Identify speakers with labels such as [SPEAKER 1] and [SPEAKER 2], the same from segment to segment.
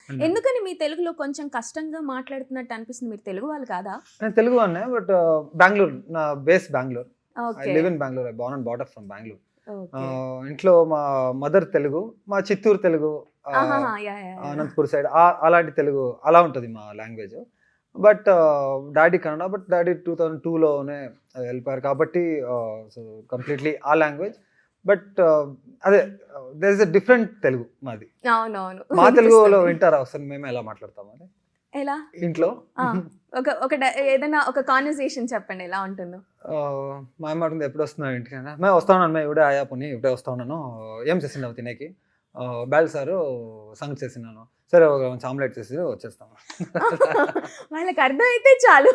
[SPEAKER 1] ఎందుకని మీ తెలుగులో కొంచెం కష్టంగా మాట్లాడుతున్నట్టు అనిపిస్తుంది? మీరు తెలుగు వాళ్ళు కాదా?
[SPEAKER 2] నేను తెలుగు వాడినే, బట్ బెంగళూరు, నా base Bengaluru. I
[SPEAKER 1] okay.
[SPEAKER 2] Live in Bengaluru. I born and bought up from Bengaluru.
[SPEAKER 1] Okay.
[SPEAKER 2] ఇంట్లో మా మదర్ తెలుగు, మా చిత్తూరు తెలుగు,
[SPEAKER 1] ఆహాహా! Yeah! Yeah! Yeah!
[SPEAKER 2] Anantapur side అలాంటి తెలుగు అలా ఉంటుంది మా language. But daddy Kannada, but daddy 2002లోనే వెళ్ళిపోయారు కాబట్టి సో కంప్లీట్లీ ఆ లాంగ్వేజ్. బట్ అదే there is a different Telugu మాది.
[SPEAKER 1] అవునవును.
[SPEAKER 2] మా తెలుగులో
[SPEAKER 1] వినిపిస్తుంది.
[SPEAKER 2] వింటారా ఒకసారి మేము ఎలా మాట్లాడతాం అని
[SPEAKER 1] ఎలా?
[SPEAKER 2] ఇంట్లో?
[SPEAKER 1] ఆ! ఒక ఏదైనా ఒక కాన్వర్సేషన్ చెప్పండి ఎలా ఉంటుందో?
[SPEAKER 2] మా అమ్మ అడుగుతుంది ఎప్పుడు వస్తున్నావు ఇంటికి అని. మేము వస్తా ఉన్నాను, మేము ఇప్పుడే ఆయా పోనీ ఇప్పుడే వస్తా ఉన్నాను. ఏం చేసినావు తినేకి? బ్యాల్ సారు సంగతి చేసినాను. సరే ఒక మంచి ఆమ్లెట్ చేసి వచ్చేస్తాము.
[SPEAKER 1] వాళ్ళకి అర్థమైతే చాలు.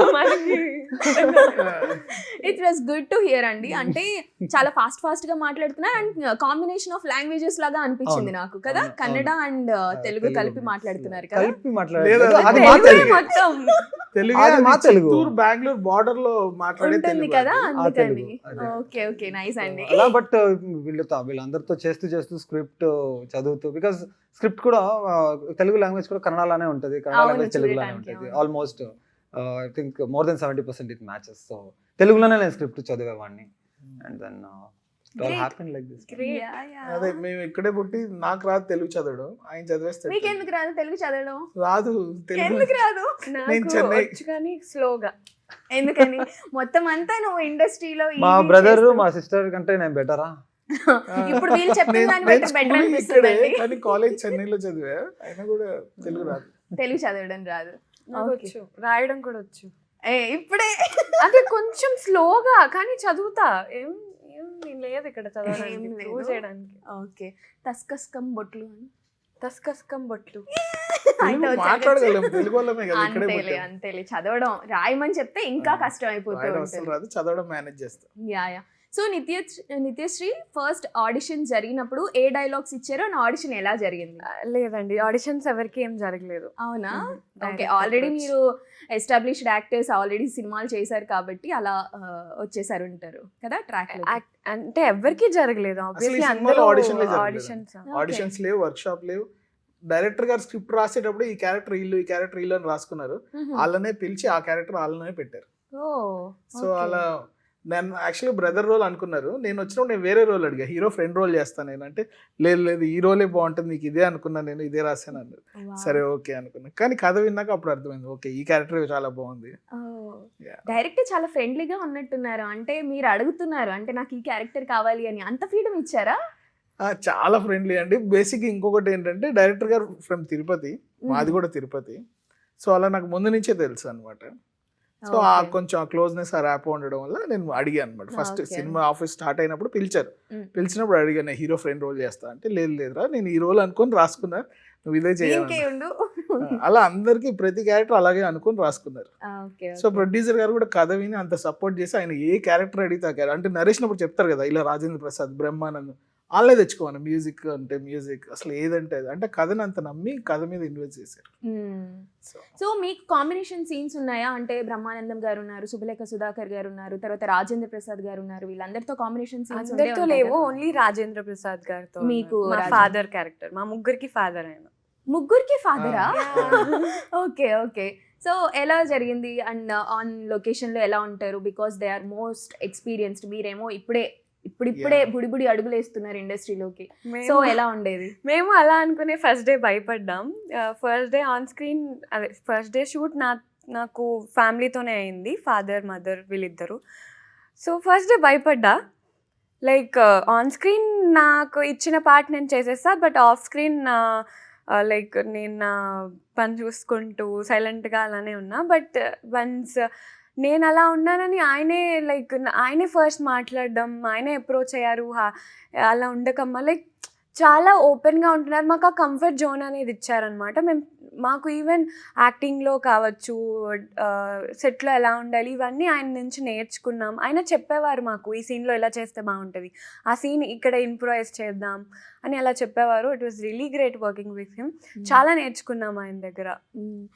[SPEAKER 1] It was good to hear అండి. అంటే చాలా ఫాస్ట్ గా మాట్లాడుతున్నారు అండ్ కాంబినేషన్ ఆఫ్ లాంగ్వేజెస్ లాగా అనిపించింది
[SPEAKER 2] అవును,
[SPEAKER 1] నాకు కదా.
[SPEAKER 2] అవును,
[SPEAKER 1] కన్నడ అండ్ తెలుగు
[SPEAKER 2] తెలుగు
[SPEAKER 1] కలిపి
[SPEAKER 2] mix.
[SPEAKER 1] మాట్లాడుతున్నారు కదా.
[SPEAKER 2] కలిపి
[SPEAKER 3] లేదా,
[SPEAKER 2] మాట్లాడలేదు, అది
[SPEAKER 3] తెలుగే
[SPEAKER 2] మా
[SPEAKER 1] తెలుగే
[SPEAKER 2] తెలుగు.
[SPEAKER 1] మొత్తం
[SPEAKER 3] తెలుగు
[SPEAKER 2] అది మా తెలుగు.
[SPEAKER 3] చిత్తూరు బెంగళూరు బార్డర్ లో మాట్లాడే
[SPEAKER 1] ఉంటుంది
[SPEAKER 3] తెలుగు
[SPEAKER 1] కదా
[SPEAKER 3] అది.
[SPEAKER 2] ఆ
[SPEAKER 1] అందుకని.
[SPEAKER 2] తెలుగు, అదే.
[SPEAKER 1] ఓకే ఓకే నైస్ అండి.
[SPEAKER 2] అలా బట్ వీళ్ళందరితో చేస్తూ స్క్రిప్ట్ చదువుతూ, బికాస్ స్క్రిప్ట్ కూడా తెలుగు లాంగ్వేజ్ కూడా కన్నడలానే ఉంటుంది, కన్నడ
[SPEAKER 1] అవును,
[SPEAKER 2] లాంగ్వేజ్ తెలుగులానే
[SPEAKER 1] చూడటానికి,
[SPEAKER 2] ఉంటుంది.
[SPEAKER 1] అవును.
[SPEAKER 2] Almost I think more then 70% it matches. So తెలుగులోనే నేను స్క్రిప్ట్ చదివేవాడిని. And then it all
[SPEAKER 1] Great.
[SPEAKER 2] Happen like this.
[SPEAKER 1] Yeah, yeah.
[SPEAKER 3] అదే మేము ఇక్కడే పుట్టి నాకు రాదు తెలుగు చదవడం, ఆయన చదివేస్తాడు.
[SPEAKER 1] మీకెందుకు రాదు తెలుగు చదవడం?
[SPEAKER 3] రాదు తెలుగు.
[SPEAKER 1] ఎందుకు రాదు?
[SPEAKER 3] నేను చెన్నై.
[SPEAKER 4] కానీ స్లోగా.
[SPEAKER 1] ఎందుకని? మొత్తం అంతా నువ్వు ఇండస్ట్రీలో
[SPEAKER 2] మా బ్రదర్ మా సిస్టర్ కంటే నేను బెటరా?
[SPEAKER 1] ఇప్పుడు వీళ్ళు చెప్పిన
[SPEAKER 3] నేను-
[SPEAKER 1] దాన్ని
[SPEAKER 3] నేను
[SPEAKER 1] బట్టి బెటర్
[SPEAKER 3] schooling ఇక్కడే,
[SPEAKER 1] అనిపిస్తుంది.
[SPEAKER 3] కానీ కాలేజ్ చెన్నైలో చదివా, అయినా కూడా తెలుగు రాదు.
[SPEAKER 1] తెలుగు చదవడం రాదు.
[SPEAKER 4] నాకు
[SPEAKER 1] Okay.
[SPEAKER 4] వచ్చు, రాయడం కూడా వచ్చు.
[SPEAKER 1] ఇప్పుడే
[SPEAKER 4] అదే కొంచెం స్లోగా కానీ చదువుతా. ఏం ఏం లేదు ఇక్కడ చదవడానికి,
[SPEAKER 1] ఏం లేదు.
[SPEAKER 4] ప్రూవ్ చేయడానికి.
[SPEAKER 1] ఓకే. తస్కస్కం బొట్లు అని
[SPEAKER 4] తస్కస్కం బొట్లు.
[SPEAKER 1] అయితే
[SPEAKER 3] తెలుగు
[SPEAKER 1] వచ్చాక
[SPEAKER 3] మాట్లాడగలం, తెలుగు వాళ్ళమే కదా ఇక్కడే
[SPEAKER 1] అంతేలే
[SPEAKER 3] పుట్టాం.
[SPEAKER 1] అంతేలే. చదవడం రాయమని చెప్తే ఇంకా కష్టం అయిపోతూ
[SPEAKER 3] రాయడం అసలు
[SPEAKER 1] ఉంటుంది.
[SPEAKER 3] రాదు, చదవడం మేనేజ్ చేస్తాం.
[SPEAKER 1] Yeah. So Nithyasri first audition జరిగినప్పుడు ఏ డైలాగ్స్ ఇచ్చారో నా ఆడిషన్ ఎలా జరిగింది?
[SPEAKER 4] లేదండి, ఆడిషన్స్ ఎవరికి ఏం జరగలేదు.
[SPEAKER 1] అవునా? ఓకే.
[SPEAKER 4] Direct
[SPEAKER 1] already
[SPEAKER 4] approach.
[SPEAKER 1] మీరు ఎస్టాబ్లిష్డ్ యాక్టర్స్, ఆల్రెడీ సినిమాలు చేశారు కాబట్టి అలా వచ్చేసారు ఉంటారు కదా ట్రాక్ లో.
[SPEAKER 4] అంటే ఎవరికి జరగలేదు.
[SPEAKER 3] అసలు ఈ
[SPEAKER 4] ఆబ్వియస్లీ
[SPEAKER 3] సినిమాలో
[SPEAKER 4] అందరూ
[SPEAKER 3] audition లే జరగలేదు.
[SPEAKER 4] ఆడిషన్స్.
[SPEAKER 3] ఆడిషన్స్ లేవు, వర్క్ షాప్ లేవు. డైరెక్టర్ గారు స్క్రిప్ట్ రాసేటప్పుడు ఈ క్యారెక్టర్ ఇల్లు, ఈ క్యారెక్టర్ ఇల్లు అని రాసుకున్నారు. వాళ్ళనే పిలిచి ఆ క్యారెక్టర్ వాళ్ళనే పెట్టారు. సో అలా నేను యాక్చువల్లీ బ్రదర్ రోల్ అనుకున్నారు. నేను వచ్చినప్పుడు నేను వేరే రోల్ అడిగా, హీరో ఫ్రెండ్ రోల్ చేస్తాను నేను అంటే, లేదు ఈ రోలే బాగుంటుంది, నీకు ఇదే అనుకున్నా, నేను ఇదే రాశాను అన్నారు. సరే ఓకే అనుకున్నా, కానీ కథ విన్నాక అప్పుడు అర్థమైంది, ఓకే ఈ క్యారెక్టర్ చాలా బాగుంది. Yeah.
[SPEAKER 1] డైరెక్టర్ చాలా ఫ్రెండ్లీగా ఉన్నట్టున్నారు. అంటే మీరు అడుగుతున్నారు అంటే నాకు ఈ క్యారెక్టర్ కావాలి అని, అంత ఫ్రీడమ్ ఇచ్చారా?
[SPEAKER 3] చాలా ఫ్రెండ్లీ అండి. బేసిక్ ఇంకొకటి ఏంటంటే డైరెక్టర్ గారు ఫ్రమ్ తిరుపతి, మాది కూడా తిరుపతి. సో అలా నాకు ముందు నుంచే తెలుసు అనమాట. సో ఆ
[SPEAKER 1] Okay.
[SPEAKER 3] కొంచెం ఆ క్లోజ్నెస్, ఆ ర్యాప్ ఉండడం వల్ల నేను అడిగాను అనమాట. First
[SPEAKER 1] Okay.
[SPEAKER 3] సినిమా ఆఫీస్ స్టార్ట్ అయినప్పుడు పిలిచారు.
[SPEAKER 1] Mm.
[SPEAKER 3] పిలిచినప్పుడు అడిగాను, హీరో ఫ్రెండ్ రోల్ చేస్తా అంటే, లేదురా నేను ఈ రోల్ అనుకొని రాసుకున్నా, నువ్వు ఇదే
[SPEAKER 1] ఇంకే
[SPEAKER 3] చేయాలి.
[SPEAKER 1] ఉండు.
[SPEAKER 3] అలా అందరికి ప్రతి క్యారెక్టర్ అలాగే అనుకొని రాసుకున్నారు.
[SPEAKER 1] ఓకే.
[SPEAKER 3] సో ప్రొడ్యూసర్ గారు కూడా కథ విని అంత సపోర్ట్ చేసి, ఆయన ఏ క్యారెక్టర్ అడిగితే ఆ క్యారెక్టర్, అంటే నరేషినప్పుడు చెప్తారు కదా, ఇలా రాజేంద్ర ప్రసాద్, బ్రహ్మానందం వాళ్ళే తెచ్చుకోవాలి. మ్యూజిక్ అంటే మ్యూజిక్, అసలు ఏదంటే అది, అంటే కథని అంత నమ్మి కథ మీద ఇన్వెస్ట్ చేశారు.
[SPEAKER 1] సో మీకు కాంబినేషన్ సీన్స్ ఉన్నాయా? అంటే బ్రహ్మానందం గారు ఉన్నారు, సుబలేఖ సుధాకర్ గారు ఉన్నారు, తర్వాత రాజేంద్ర ప్రసాద్ గారు ఉన్నారు, వీళ్ళందరితో కాంబినేషన్ సీన్స్
[SPEAKER 4] అందరితో లేవు, ఓన్లీ రాజేంద్ర ప్రసాద్ గారితో.
[SPEAKER 1] మీకు
[SPEAKER 4] మా
[SPEAKER 1] రాజేంద్ర-
[SPEAKER 4] ఫాదర్ క్యారెక్టర్, మా ముగ్గురికి ఫాదర్ ఆయన.
[SPEAKER 1] ముగ్గురికి ఫాదరా?
[SPEAKER 4] Yeah.
[SPEAKER 1] Okay okay. సో ఎలా జరిగింది అండ్ ఆన్ లొకేషన్ లో ఎలా ఉంటారు? Because they are most experienced, మీరేమో ఇప్పుడే
[SPEAKER 3] Yeah.
[SPEAKER 1] బుడి బుడి అడుగులేస్తున్నారు ఇండస్ట్రీలోకి. సో
[SPEAKER 4] మేము-
[SPEAKER 1] ఎలా ఉండేది?
[SPEAKER 4] మేము అలా అనుకునే ఫస్ట్ డే భయపడ్డాం. ఫస్ట్ డే ఆన్ స్క్రీన్, అదే ఫస్ట్ డే షూట్ నాకు ఫ్యామిలీతోనే అయింది, ఫాదర్ మదర్ వీళ్ళిద్దరు. సో ఫస్ట్ డే భయపడ్డా. లైక్ ఆన్ స్క్రీన్ నాకు ఇచ్చిన పార్ట్ నేను చేసేస్తా, బట్ ఆఫ్ స్క్రీన్ లైక్ నేను నా పని చూసుకుంటూ సైలెంట్గా అలానే ఉన్నా. బట్ వన్స్ నేను అలా ఉన్నానని ఆయనే ఫస్ట్ మాట్లాడడం, ఆయనే అప్రోచ్ అయ్యారు. అలా ఉండకమ్మా, లైక్ చాలా ఓపెన్గా ఉంటున్నారు. మాకు ఆ కంఫర్ట్ జోన్ అనేది ఇచ్చారనమాట. మాకు ఈవెన్ యాక్టింగ్లో కావచ్చు, సెట్లో ఎలా ఉండాలి, ఇవన్నీ ఆయన నుంచి నేర్చుకున్నాం. ఆయన చెప్పేవారు మాకు, ఈ సీన్లో ఎలా చేస్తే బాగుంటుంది, ఆ సీన్ ఇక్కడ ఇంప్రూవైజ్ చేద్దాం అని అలా చెప్పేవారు. It was really great working with him. చాలా నేర్చుకున్నాం ఆయన దగ్గర.